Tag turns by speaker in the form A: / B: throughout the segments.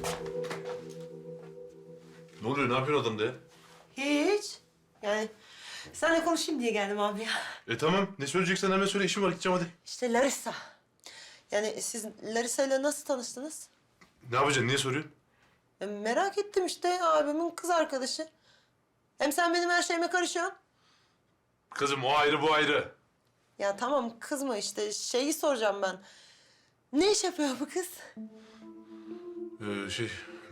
A: Ne oluyor? Ne yapıyorsun adamda ya?
B: Hiç. Yani seninle konuşayım diye geldim abi ya.
A: Tamam. Ne söyleyeceksen hemen söyle. İşim var. Gideceğim hadi.
B: İşte Larissa. Yani siz Larissa ile nasıl tanıştınız?
A: Ne yapacaksın? Niye soruyorsun?
B: Merak ettim işte abimin kız arkadaşı. Hem sen benim her şeyime karışıyorsun.
A: Kızım o ayrı bu ayrı.
B: Ya tamam kızma işte şeyi soracağım ben. Ne iş yapıyor bu kız?
A: Şey...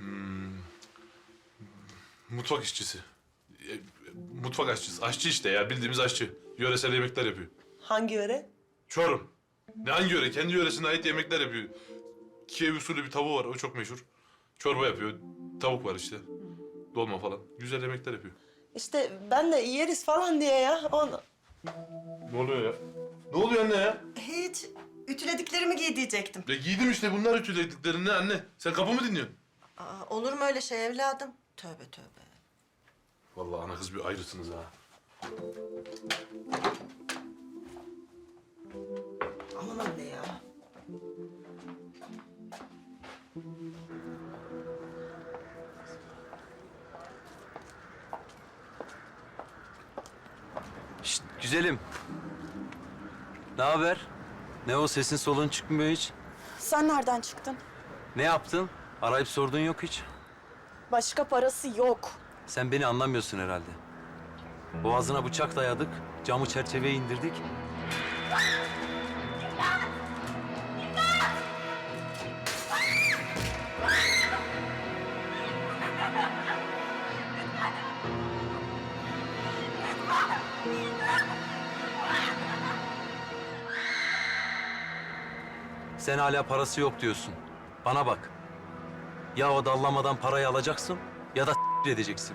A: mutfak işçisi. Mutfak aşçısı. Aşçı işte ya. Bildiğimiz aşçı. Yöresel yemekler yapıyor.
B: Hangi yöre?
A: Çorum. Ne hangi yöre? Kendi yöresine ait yemekler yapıyor. Kiev usulü bir tavuğu var. O çok meşhur. Çorba yapıyor. Tavuk var işte. Dolma falan. Güzel yemekler yapıyor.
B: İşte ben de yeriz falan diye ya. Onu...
A: Ne oluyor ya? Ne oluyor anne ya?
B: Hiç. Ütülediklerimi giy diyecektim.
A: Giydim işte bunlar ütülediklerini anne. Sen kapı mı dinliyorsun?
B: Aa, olur mu öyle şey evladım? Tövbe tövbe.
A: Vallahi ana kız bir ayrısınız ha.
B: Aman anne ya.
C: Şşt, güzelim. Ne haber? Ne o sesin soluğun çıkmıyor hiç?
D: Sen nereden çıktın?
C: Ne yaptın? Arayıp sorduğun yok hiç.
D: Başka parası yok.
C: Sen beni anlamıyorsun herhalde. Boğazına bıçak dayadık, camı çerçeveye indirdik. Sen hala parası yok diyorsun. Bana bak. Ya o dallamadan parayı alacaksın ya da edeceksin.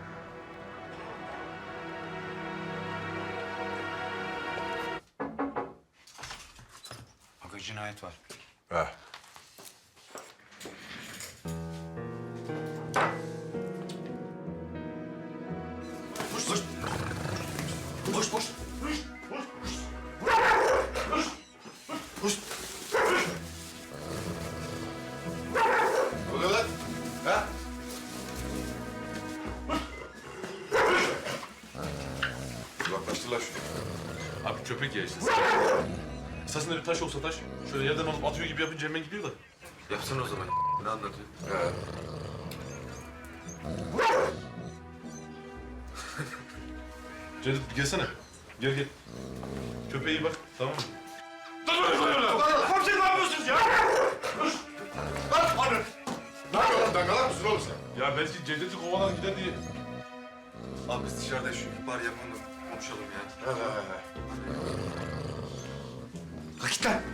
E: Aga cinayet var.
A: Ha.
F: Ne oluyor lan? Ha? Uzaklaştırlar şunu.
A: Abi köpek ya işte. Esasında bir taş olsa taş. Şöyle yerden alıp atıyor gibi yapınca hemen gidiyor da.
F: Yapsana o zaman. Ne anlatıyor?
A: Cevdet gelsene. Gel gel. Köpeğe iyi bak tamam mı?
F: Komiserim ne yapıyorsunuz ya? Lan hadi. Ne yapıyorsun lan? Dangalak mısın oğlum sen?
A: Ya belki Cevdet'i kovalar gider diye.
F: Abi biz dışarıda şu ihbar yapalım da konuşalım ya. Ha git lan.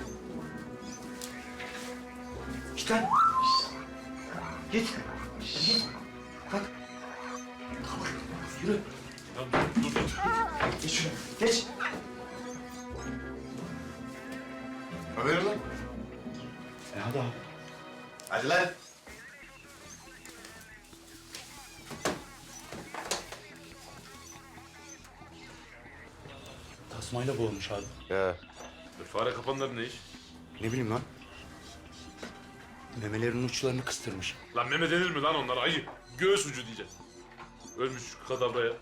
F: Git lan. Git. Git. Kalk. Kalk. Yürü.
A: Ya dur.
F: Geç şunu. Geç. Haberin lan.
E: Hadi abi.
F: Hadi lan.
E: Tasmayla boğulmuş abi.
F: Ya.
A: Fare kapanları ne iş?
E: Ne bileyim lan. Memelerinin uçlarını kıstırmış.
A: Lan meme denir mi lan onlara ayı? Göğüs ucu diyeceğiz. Ölmüş kadavraya.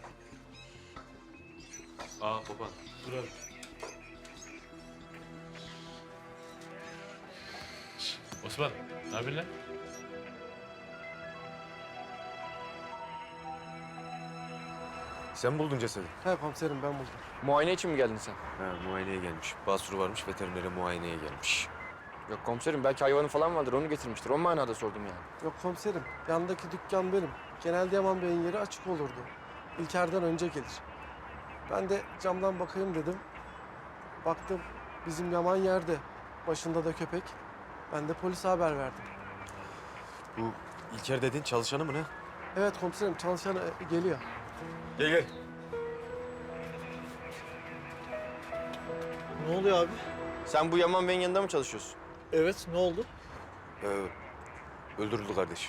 A: Aa baba dur abi. Osman ne yapıyorsun lan?
F: Sen buldun cesedi.
G: He komiserim ben buldum.
H: Muayene için mi geldin sen?
F: Ha, muayeneye gelmiş. Basuru varmış, veterinere muayeneye gelmiş.
H: Yok komiserim belki hayvanı falan vardır onu getirmiştir. O manada sordum yani.
G: Yok komiserim yandaki dükkan benim. Genelde Yaman Bey'in yeri açık olurdu. İlker'den önce gelir. Ben de camdan bakayım dedim. Baktım bizim Yaman yerde. Başında da köpek. Ben de polise haber verdim.
F: Bu İlker dediğin çalışanı mı ne?
G: Evet komiserim çalışan geliyor.
F: Gel gel.
G: Ne oluyor abi?
H: Sen bu Yaman Bey'in yanında mı çalışıyorsun?
G: Evet ne oldu?
F: Öldürüldü kardeş.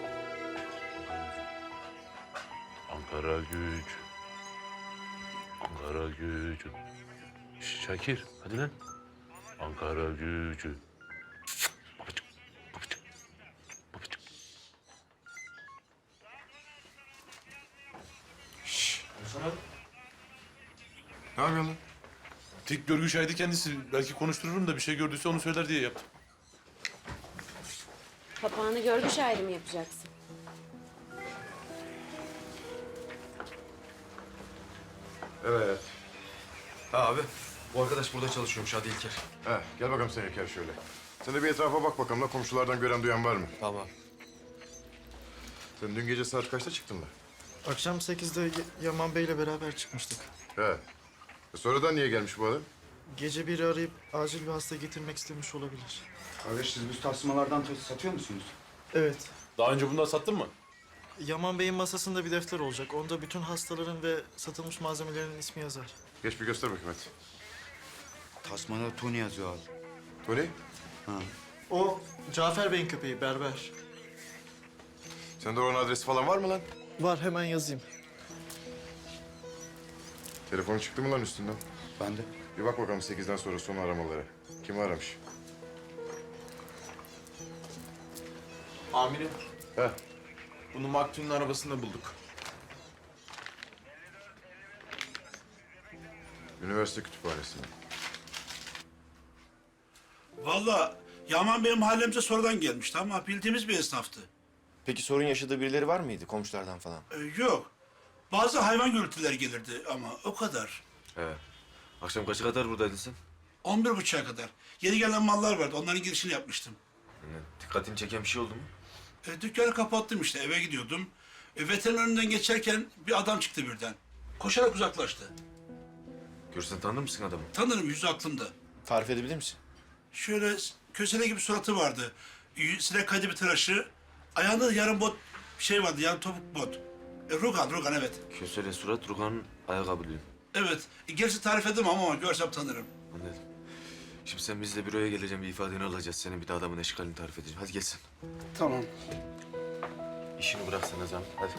A: Ankara güç. Ankara gücü. Şakir, hadi lan. Ankara gücü. Babacık, babacık, babacık.
F: Ne yapıyorsun lan?
A: Tek görgü şahidi kendisi. Belki konuştururum da bir şey gördüyse onu söyler diye yaptım.
I: Papağanı görgü şahidi mi yapacaksın?
F: Evet.
H: Ha abi, bu arkadaş burada çalışıyormuş Hadi İlker.
F: Gel bakalım sen İlker şöyle. Sen de bir etrafa bak bakalım da komşulardan gören duyan var mı?
H: Tamam.
F: Sen dün gece saat kaçta çıktın lan?
J: Akşam 8'de Yaman Bey'le beraber çıkmıştık.
F: Sonradan niye gelmiş bu adam?
J: Gece biri arayıp acil bir hasta getirmek istemiş olabilir.
E: Kardeş siz bu tasmalardan satıyor musunuz?
J: Evet.
A: Daha önce bundan sattın mı?
J: Yaman Bey'in masasında bir defter olacak. Onda bütün hastaların ve satılmış malzemelerin ismi yazar.
F: Geç bir göster bakayım hadi.
E: Tasmada Tony yazıyor abi.
F: Tony,
J: O Cafer Bey'in köpeği, berber.
F: sende oranın adresi falan var mı lan?
J: Var, hemen yazayım.
F: Telefonu çıktı mı lan üstünden?
E: Ben de.
F: Bir bak bakalım 8'den sonra son aramalara. Kim aramış?
K: Amirim,
F: He.
K: bunu maktulün arabasında bulduk.
F: Üniversite kütüphanesinde.
L: Vallahi Yaman benim mahallemize sonradan gelmişti ama bildiğimiz bir esnaftı.
H: Peki sorun yaşadığı birileri var mıydı komşulardan falan?
L: Yok. Bazı hayvan gürültüleri gelirdi ama o kadar.
H: Evet. Akşam kaça kadar buradaydın sen?
L: 11.30'a kadar. Yeni gelen mallar vardı. Onların girişini yapmıştım.
H: Dikkatini çeken bir şey oldu mu?
L: Dükkanı kapattım işte. Eve gidiyordum. Veteriner önünden geçerken bir adam çıktı birden. Koşarak uzaklaştı.
H: Görsen tanır mısın adamı?
L: Tanırım, yüzü aklımda.
H: Tarif edebilir misin?
L: Şöyle kösele gibi suratı vardı. Sinek kaydı bir tıraşı. Ayağında da yarım bot bir şey vardı. Yarım topuk bot. Rugan evet.
H: Kösele surat, Rugan'ın ayakkabı diyor.
L: Evet. Gerisi tarif edemem ama görsem tanırım.
H: Anladım. Şimdi sen bizle büroya geleceğim, bir ifadeni alacağız. Senin bir de adamın eşkalini tarif edeceğim. Hadi gelsin.
E: Tamam.
H: İşini bıraksana Zam. Hadi.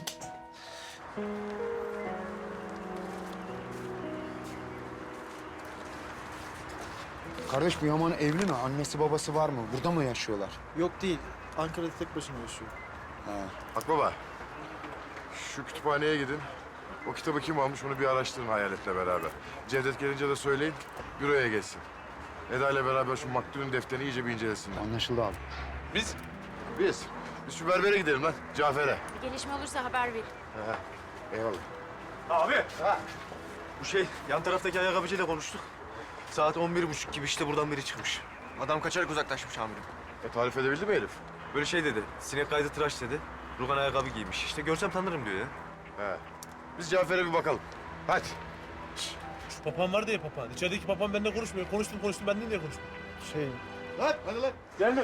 E: Kardeş bu Yaman evli mi? Annesi babası var mı? Burada mı yaşıyorlar?
J: Yok değil, Ankara'da tek başına yaşıyor.
F: Bak baba, şu kütüphaneye gidin. O kitabı kim almış onu bir araştırın Hayalet'le beraber. Cevdet gelince de söyleyin, büroya gelsin. Eda ile beraber şu maktulün defterini iyice bir incelesinler.
E: Anlaşıldı abi.
F: Biz şu berbere gidelim lan, Cafer'e.
I: Bir gelişme olursa haber ver.
F: Eyvallah.
C: Abi. Bu yan taraftaki ayakkabıcıyla konuştuk. Saat 11:30 gibi işte buradan biri çıkmış. Adam kaçarak uzaklaşmış amirim.
F: Tarif edebildi mi herif?
C: Böyle dedi. Sinek kaydı tıraş dedi. Rugan ayakkabı giymiş. İşte görsem tanırım diyor ya.
F: Biz Cafer'e bir bakalım. Hadi.
A: Şu papağan var diye papağan. İçerideki papağan benimle konuşmuyor. Konuştum benden niye konuşmuyor?
F: Lan hadi lan.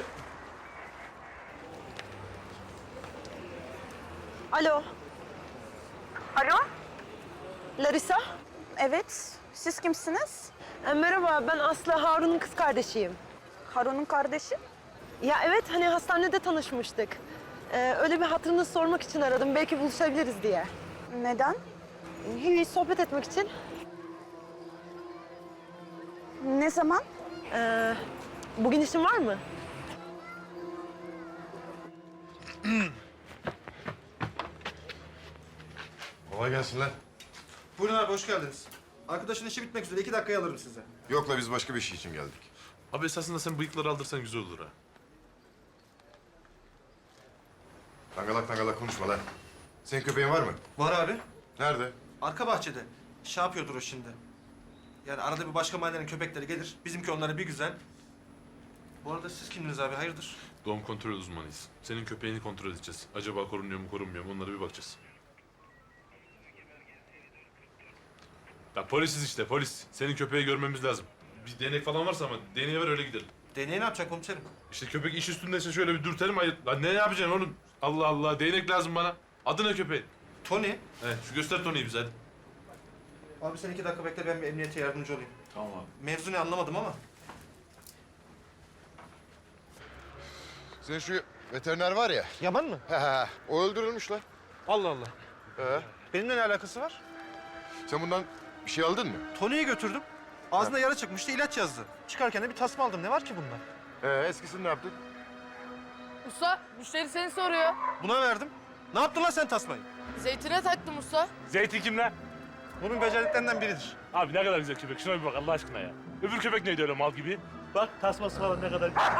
D: Alo. Alo? Larisa? Evet. Siz kimsiniz?
B: Merhaba, ben Aslı, Harun'un kız kardeşiyim.
D: Harun'un kardeşi.
B: Ya evet, hani hastanede tanışmıştık. Öyle bir hatırınızı sormak için aradım. Belki buluşabiliriz diye.
D: Neden?
B: Hiç sohbet etmek için.
D: Ne zaman?
B: Bugün işin var mı?
F: Kolay gelsin lan.
J: Buyurun abi, hoş geldiniz. Arkadaşın işi bitmek üzere. 2 dakikaya alırım size.
F: Yok la biz başka bir şey için geldik.
A: Abi esasında sen bıyıkları aldırsan güzel olur ha.
F: Dangalak dangalak konuşma lan. Senin köpeğin var mı?
J: Var abi.
F: Nerede?
J: Arka bahçede. Şey yapıyordur o şimdi. Yani arada bir başka mahallenin köpekleri gelir. Bizimki onlara bir güzel. Bu arada siz kimdiniz abi, hayırdır?
A: Doğum kontrol uzmanıyız. Senin köpeğini kontrol edeceğiz. Acaba korunuyor mu korunmuyor mu onlara bir bakacağız. Ya polisiz işte polis. Senin köpeği görmemiz lazım. Bir değnek falan varsa ama değneği ver öyle gidelim.
J: Deneye ne yapacak komiserim?
A: İşte köpek iş üstündeyse şöyle bir dürtelim. Hayır. Lan ne yapacaksın oğlum? Allah Allah değnek lazım bana. Adı ne köpeğin?
J: Tony.
A: Evet şu göster Tony'yi bize hadi.
J: Abi sen 2 dakika bekle, ben bir emniyete yardımcı olayım.
A: Tamam abi.
J: Mevzu ne anlamadım ama.
F: Senin şu veteriner var ya.
J: Yaman mı?
F: O öldürülmüş lan.
J: Allah Allah.
F: He.
J: Benimle ne alakası var?
F: Sen bundan Bir şey aldın mı?
J: Tony'ye götürdüm. Ağzında yara çıkmıştı, ilaç yazdı. Çıkarken de bir tasma aldım. Ne var ki bunda?
F: Eskisini ne yaptın?
M: Usta, müşteri seni soruyor.
J: Buna verdim. Ne yaptın lan sen tasmayı?
M: Zeytine taktım usta.
N: Zeytin kim lan?
J: Bunun beceriklerinden biridir.
N: Abi ne kadar güzel köpek. Şuna bir bak Allah aşkına ya. Öbür köpek neydi öyle mal gibi? Bak tasması falan ne kadar güzel.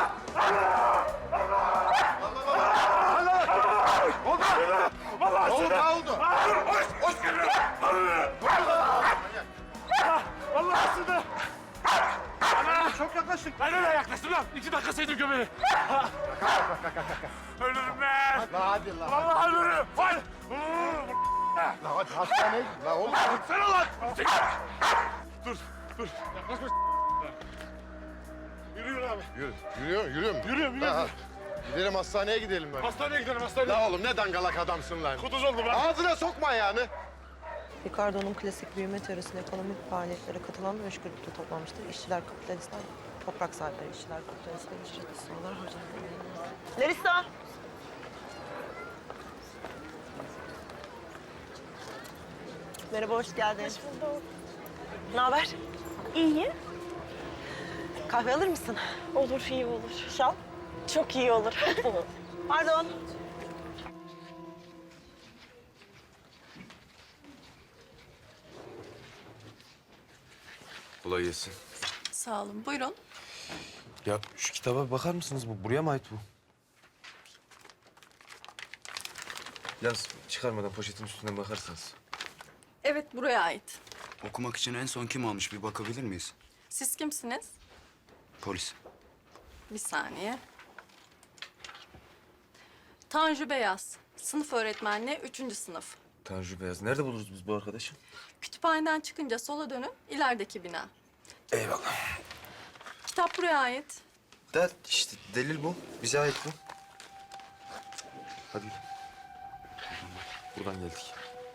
F: Ne oldu? Ne oldu?
N: Allah aşkına.
J: Çok yaklaştık.
N: Ben öyle yaklaştım lan. 2 dakika sevdim köpeği. Ölürüm ben.
F: La hadi la.
N: Vallahi ölürüm. Vay.
F: La hadi hastaneye git. La oğlum.
N: Sen lan. Dur. Yaklaşma. Yürüyün abi.
F: Yürü. Yürüyor mu?
N: Yürüyorum.
F: Ha, gidelim hastaneye gidelim böyle.
N: Hastaneye gidelim hastaneye.
F: La oğlum ne dangalak adamsın lan.
N: Kuduz oldu ben.
F: Ağzına sokma ayağını.
B: Ricardo'nun klasik büyüme teorisinde ekonomik faaliyetlere katılan ve üç grupta toplanmıştır. İşçiler, kapitalistler, toprak sahipleri, işçiler, kapitalistler, ücretli sınırlar, harcamalar. Larissa! Merhaba, hoş geldin. Hoş bulduk. Ne haber?
D: İyi.
B: Kahve alır mısın?
D: Olur, iyi olur.
B: Şal?
D: Çok iyi olur.
B: Pardon.
H: Kolay gelsin.
D: Sağ olun. Buyurun.
H: Ya şu kitaba bakar mısınız? Bu buraya mı ait bu? Yalnız çıkarmadan poşetin üstünden bakarsanız.
D: Evet, buraya ait.
E: Okumak için en son kim almış bir bakabilir miyiz?
D: Siz kimsiniz?
E: Polis.
D: Bir saniye. Tanju Beyaz. Sınıf öğretmenliği 3. sınıf.
H: Tanju Beyaz. Nerede buluruz biz bu arkadaşı?
D: Kütüphaneden çıkınca sola dönün, ilerideki bina.
H: Eyvallah.
D: Kitap buraya ait.
H: Da işte delil bu. Bize ait bu. Hadi. Buradan geldik.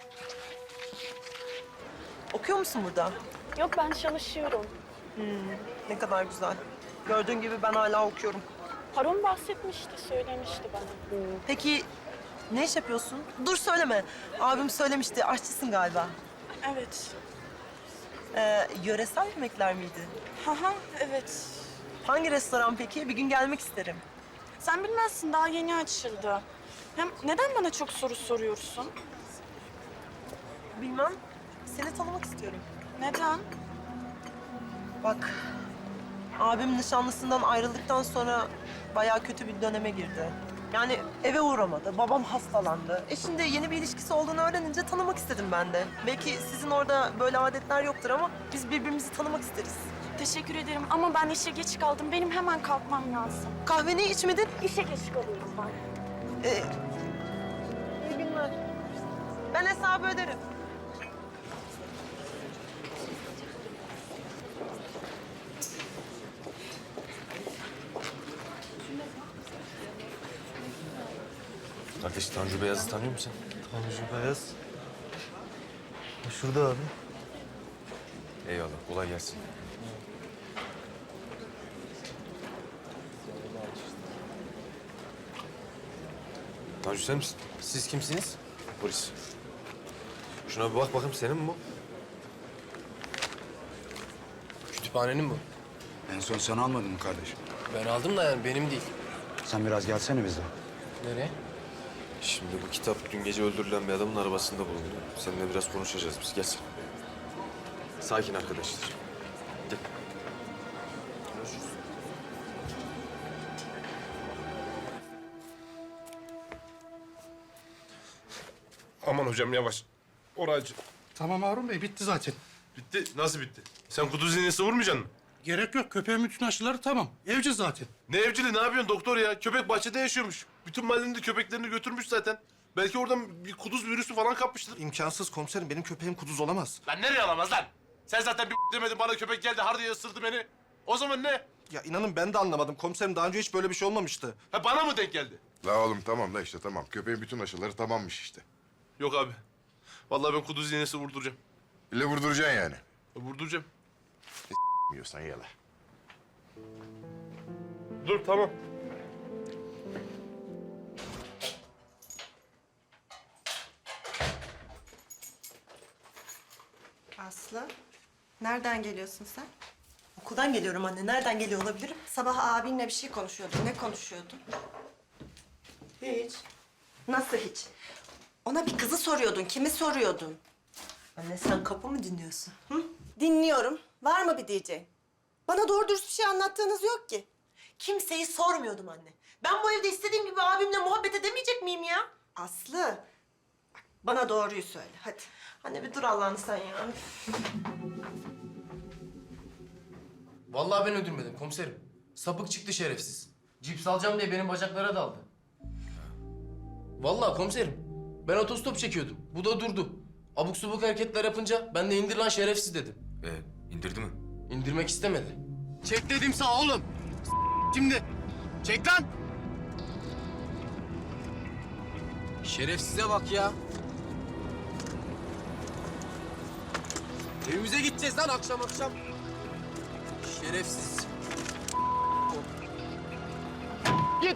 B: Okuyor musun burada?
D: Yok, ben çalışıyorum.
B: Ne kadar güzel. Gördüğün gibi ben hala okuyorum.
D: Harun bahsetmişti, söylemişti bana.
B: Peki ne iş yapıyorsun? Dur söyleme. Abim söylemişti. Aşçısın galiba.
D: Evet.
B: Yöresel yemekler miydi?
D: Haha, evet.
B: Hangi restoran peki? Bir gün gelmek isterim.
D: Sen bilmezsin, daha yeni açıldı. Hem neden bana çok soru soruyorsun?
B: Bilmem. Seni tanımak istiyorum.
D: Neden?
B: Bak, abim nişanlısından ayrıldıktan sonra bayağı kötü bir döneme girdi. Yani eve uğramadı, babam hastalandı. Şimdi yeni bir ilişkisi olduğunu öğrenince tanımak istedim ben de. Belki sizin orada böyle adetler yoktur ama biz birbirimizi tanımak isteriz.
D: Teşekkür ederim ama ben işe geç kaldım. Benim hemen kalkmam lazım.
B: Kahveni içmedin?
D: İşe geç kalıyorum ben.
B: İyi günler. Ben hesabı öderim.
H: Kardeş Tanju Beyaz'ı tanıyor musun?
J: Tanju Beyaz. Şurada abi.
H: Eyvallah. Kolay gelsin. Tanju sen misin?
E: Siz kimsiniz?
H: Polis. Şuna bir bak bakayım senin mi bu?
E: Kütüphanenin bu.
C: En son sen almadın mı kardeşim?
E: Ben aldım da yani benim değil.
C: Sen biraz gelsene bize.
E: Nereye?
H: Şimdi bu kitap dün gece öldürülen bir adamın arabasında bulundu. Seninle biraz konuşacağız biz. Gel sen. Sakin arkadaşlar. Gel. Görüşürüz.
A: Aman hocam yavaş. Oracı.
L: Tamam Harun Bey, bitti zaten.
A: Bitti. Nasıl bitti? Sen kuduz iğnesi vurmayacaksın mı?
L: Gerek yok, köpeğin bütün aşıları tamam. Evci zaten.
A: Ne evcili, ne yapıyorsun doktor ya? Köpek bahçede yaşıyormuş. Bütün mahallenin de köpeklerini götürmüş zaten. Belki oradan bir kuduz virüsü falan kapmıştır.
J: İmkansız komiserim. Benim köpeğim kuduz olamaz.
A: Lan nereye alamaz lan? Sen zaten bir demedin bana, köpek geldi har diye ısırdı beni. O zaman ne?
J: Ya inanın ben de anlamadım komiserim. Daha önce hiç böyle bir şey olmamıştı.
A: Ha bana mı denk geldi?
F: La oğlum tamam da işte tamam. Köpeğin bütün aşıları tamammış işte.
A: Yok abi. Vallahi ben kuduz iğnesi vurduracağım.
F: İlle vurduracaksın yani.
A: Vurduracağım.
F: Yiyorsan yala.
A: Dur tamam.
O: Aslı, nereden geliyorsun sen?
B: Okuldan geliyorum anne. Nereden geliyor olabilirim?
O: Sabah abinle bir şey konuşuyordun. Ne konuşuyordun?
B: Hiç.
O: Nasıl hiç? Ona bir kızı soruyordun. Kimi soruyordun?
B: Anne sen kapı mı dinliyorsun?
O: Hı? Dinliyorum. Var mı bir diyeceğin? Bana doğru dürüst bir şey anlattığınız yok ki.
B: Kimseyi sormuyordum anne. Ben bu evde istediğim gibi abimle muhabbet edemeyecek miyim ya?
O: Aslı, bak, bana doğruyu söyle. Hadi.
B: Anne bir dur Allah'ını sen ya.
P: Vallahi ben öldürmedim komiserim. Sapık çıktı şerefsiz. Cips alacağım diye benim bacaklara daldı. Vallahi komiserim. Ben otostop çekiyordum. Bu da durdu. Abuk subuk hareketler yapınca ben de indir lan şerefsiz dedim.
H: İndirdi mi?
P: İndirmek istemedi. Çek dedim sağ oğlum. Şimdi. Çek lan. Şerefsize bak ya. Evimize gideceğiz lan akşam akşam. Şerefsiz. Git.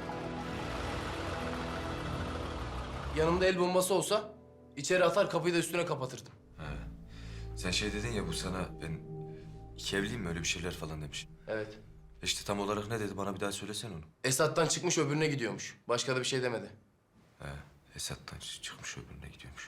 P: Yanımda el bombası olsa içeri atar kapıyı da üstüne kapatırdım.
H: Sen şey dedin ya bu sana ben iki evliyim mi öyle bir şeyler falan demiş.
P: Evet.
H: İşte tam olarak ne dedi bana bir daha söylesen onu.
P: Esat'tan çıkmış öbürüne gidiyormuş. Başka da bir şey demedi.
H: Esat'tan çıkmış öbürüne gidiyormuş.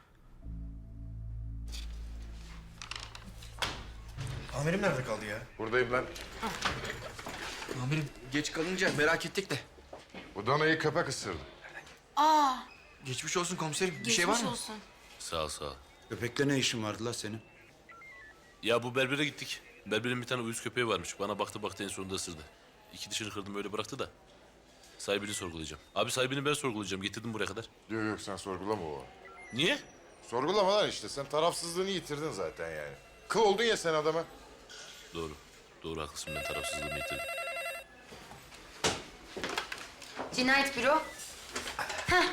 C: Amirim nerede kaldı ya?
F: Buradayım lan.
P: Amirim geç kalınca merak ettik de.
F: Bu danayı köpek ısırdı.
I: Aa,
C: Geçmiş olsun komiserim. Bir
I: geçmiş
C: şey var mı?
I: olsun.
A: Sağ ol sağ ol.
E: Köpekle ne işin vardı la senin?
A: Ya bu berbere gittik. Berberin bir tane uyuz köpeği varmış. Bana baktı en sonunda ısırdı. İki dişini kırdım öyle bıraktı da. Sahibini sorgulayacağım. Abi sahibini ben sorgulayacağım. Getirdim buraya kadar.
F: Yok sen sorgulama o.
A: Niye?
F: Sorgulama lan işte. Sen tarafsızlığını yitirdin zaten yani. Kıl oldun ya sen adama.
A: Doğru. Doğru haklısın ben tarafsızlığımı yitirdim.
I: Cinayet büro. Heh.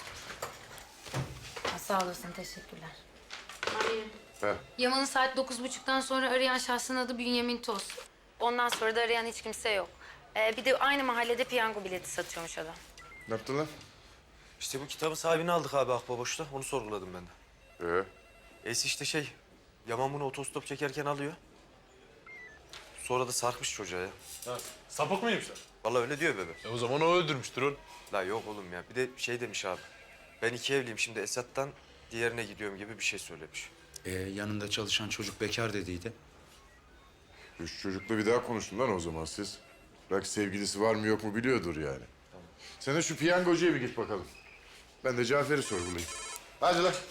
I: Sağ olasın, teşekkürler. Amirim.
F: He.
I: Yaman'ı saat 9.30'dan sonra arayan şahsın adı Bünyamin Toz. Ondan sonra da arayan hiç kimse yok. Bir de aynı mahallede piyango bileti satıyormuş adam.
F: Ne yaptın lan?
H: İşte bu kitabın sahibini aldık abi Akbaboş'ta. Onu sorguladım ben de. Es işte şey, Yaman bunu otostop çekerken alıyor. Sonra da sarkmış çocuğa ya.
A: Sapık mıymışlar?
H: Vallahi öyle diyor bebe.
A: O zaman o öldürmüştür onu.
H: La yok oğlum ya. Bir de şey demiş abi. Ben iki evliyim şimdi Esat'tan diğerine gidiyorum gibi bir şey söylemiş.
E: Yanında çalışan çocuk bekar dediydi.
F: Üç çocukla bir daha konuştun lan o zaman siz. Belki sevgilisi var mı yok mu biliyordur yani. Sen de şu piyangocuya bir git bakalım. Ben de Cafer'i sorgulayayım. Hadi lan.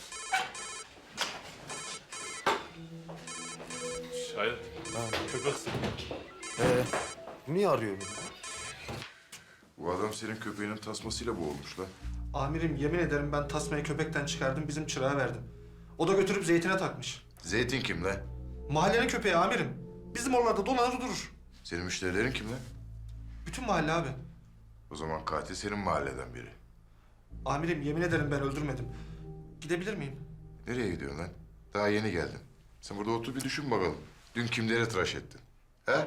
A: Hayır. Köpek ısırdı.
H: Niye arıyor beni?
F: Bu adam senin köpeğinin tasmasıyla boğulmuş lan.
J: Amirim yemin ederim ben tasmayı köpekten çıkardım bizim çırağa verdim. O da götürüp zeytine takmış.
F: Zeytin kim lan?
J: Mahallenin köpeği amirim. Bizim oralarda dolanır durur.
F: Senin müşterilerin kim lan?
J: Bütün mahalle abi.
F: O zaman katil senin mahalleden biri.
J: Amirim yemin ederim ben öldürmedim. Gidebilir miyim?
F: Nereye gidiyorsun lan? Daha yeni geldin. Sen burada otur bir düşün bakalım. Dün kimleri tıraş ettin? He?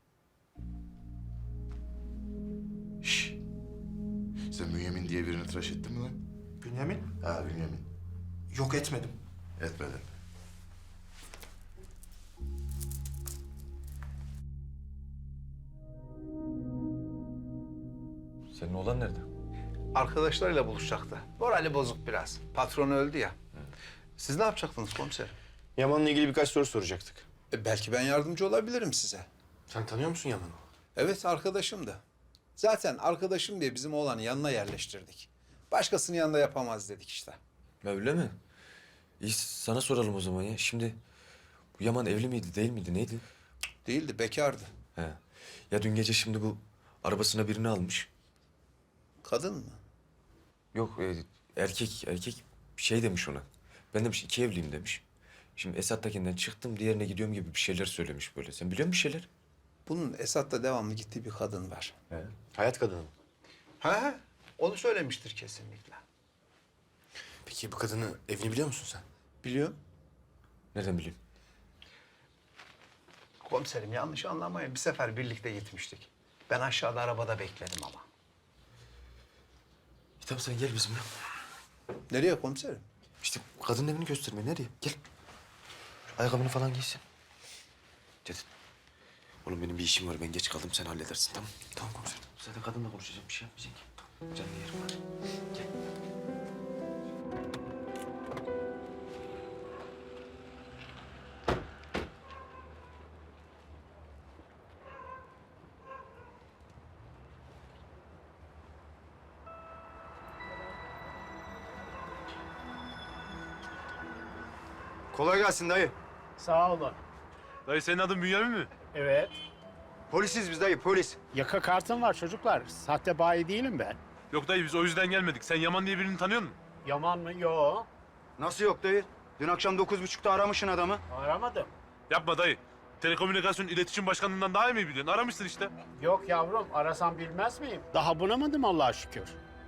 F: Şşş. Sen Bünyamin diye birini tıraş ettin mi lan?
J: Bünyamin?
F: Ha Bünyamin.
J: Yok etmedim.
F: Etmedin.
H: Senin oğlan nerede?
Q: Arkadaşlarıyla buluşacaktı. Morali bozuk biraz. Patronu öldü ya. Siz ne yapacaktınız komiserim?
C: Yaman'la ilgili birkaç soru soracaktık.
E: Belki ben yardımcı olabilirim size.
C: Sen tanıyor musun Yaman'ı?
E: Evet arkadaşım da. Zaten arkadaşım diye bizim oğlanı yanına yerleştirdik. Başkasının yanında yapamaz dedik işte.
H: Öyle mi? İyi sana soralım o zaman ya. Şimdi bu Yaman evli miydi değil miydi neydi?
E: Değildi, bekardı.
H: He. Ya dün gece şimdi bu arabasına birini almış.
E: Kadın mı?
H: Yok erkek şey demiş ona. Ben demiş iki evliyim demiş. Şimdi Esat'takinden çıktım diğerine gidiyorum gibi bir şeyler söylemiş böyle. Sen biliyor musun bir şeyler?
E: Bunun Esat'la devamlı gittiği bir kadın var.
C: Hayat kadını mı?
Q: Ha, onu söylemiştir kesinlikle.
C: Peki bu kadını evini biliyor musun sen?
E: Biliyorum.
H: Nereden bileyim?
Q: Komiserim yanlış anlamayın. Bir sefer birlikte gitmiştik. Ben aşağıda arabada bekledim ama.
H: Tamam sen gel bizimle.
E: Nereye komiserim?
H: İşte kadının evini göstermeye nereye? Gel. Ayakkabını falan giysin. Cevdet. Oğlum benim bir işim var. Ben geç kaldım. Sen halledersin tamam? Tamam komiserim. Zaten kadınla konuşacağım. Bir şey yapmayacak ki. Tamam. Canlı yerim var. Gel.
C: Kolay gelsin dayı.
N: Sağ olun.
A: Dayı senin adın Bünyamin mi?
N: Evet.
C: Polisiz biz dayı, polis.
N: Yaka kartım var çocuklar. Sahte bayi değilim ben.
A: Yok dayı biz o yüzden gelmedik. Sen Yaman diye birini tanıyor musun?
N: Yaman mı? Yo.
C: Nasıl yok dayı? Dün akşam 9.30'da aramışsın adamı.
N: Aramadım.
A: Yapma dayı. Telekomünikasyon İletişim Başkanlığından daha iyi mi biliyorsun? Aramışsın işte.
N: Yok yavrum, arasam bilmez miyim? Daha bulamadım Allah'a şükür.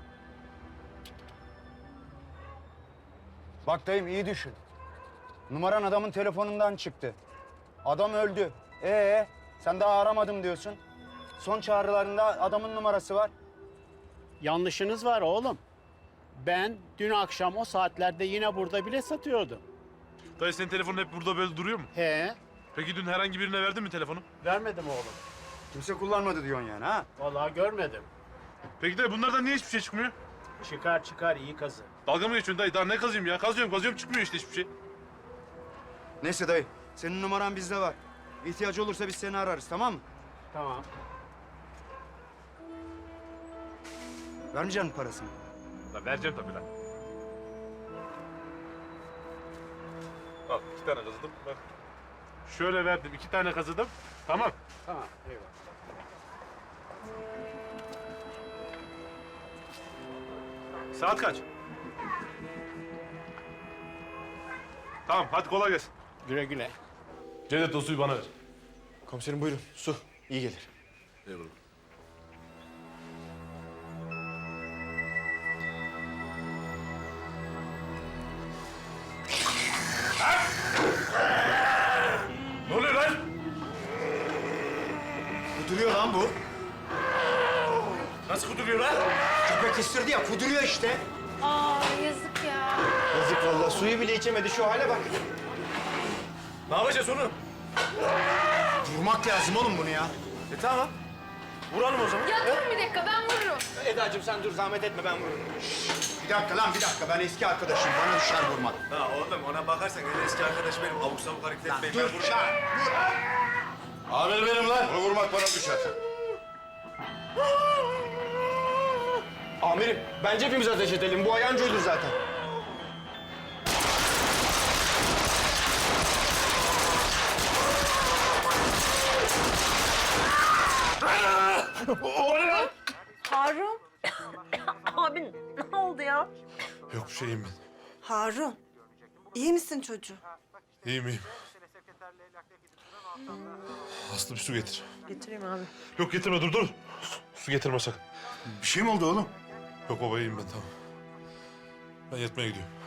C: Bak dayım iyi düşün. Numaran adamın telefonundan çıktı. Adam öldü. Sen daha aramadım diyorsun. Son çağrılarında adamın numarası var.
N: Yanlışınız var oğlum. Ben dün akşam o saatlerde yine burada bilet satıyordum.
A: Dayı senin telefonun hep burada böyle duruyor mu?
N: He,
A: Peki dün herhangi birine verdin mi telefonu?
N: vermedim oğlum.
C: Kimse kullanmadı diyorsun yani ha?
N: Vallahi görmedim.
A: Peki dayı bunlardan niye hiçbir şey çıkmıyor?
N: Çıkar iyi kazı.
A: Dalga mı geçiyorsun dayı? Daha ne kazıyım ya? Kazıyorum çıkmıyor işte hiçbir şey.
C: Neyse dayı, senin numaran bizde var. İhtiyacı olursa biz seni ararız, tamam mı?
N: Tamam.
C: Vermeyecek misin parasını?
A: Lan vereceğim tabii lan. Al 2 tane kazıdım. Bak. Şöyle verdim 2 tane kazıdım. Tamam.
N: Tamam, eyvallah.
A: Saat kaç? Tamam hadi kolay gelsin.
N: Güle güle.
A: Cevdet o suyu bana ver.
H: Komiserim buyurun. Su. İyi gelir.
A: Eyvallah. Ne oluyor lan?
C: Kuduruyor lan bu.
A: Nasıl kuduruyor lan?
C: Köpek ısırdı ya, kuduruyor işte.
I: Aa yazık ya.
C: Yazık vallahi, suyu bile içemedi, şu hale bak.
A: Ne yapacağız onu?
C: Vurmak lazım oğlum bunu ya.
A: Tamam. Vuralım o zaman.
M: Ya durun bir dakika ben vururum.
C: Eda'cığım sen dur, zahmet etme, ben vururum. Bir dakika lan, bir dakika. Ben eski arkadaşım, bana düşer vurmak.
J: Ha oğlum ona bakarsan en eski arkadaş benim. Abuk sabuk hareket etmeyin.
C: Dur, lan.
F: Amir benim lan. Bunu vurmak bana düşer.
C: Amirim, bence hepimiz ateş edelim. Bu ayancıydı zaten.
O: Harun.
B: Abi ne oldu ya?
A: Yok bir şeyim ben.
O: Harun. İyi misin çocuğum?
A: İyiyim. Aslı bir su getir.
B: Getireyim abi.
A: Yok getirme dur. Su getirme sakın.
C: Bir şey mi oldu oğlum?
A: Yok baba iyiyim ben tamam. Ben yatmaya gidiyorum.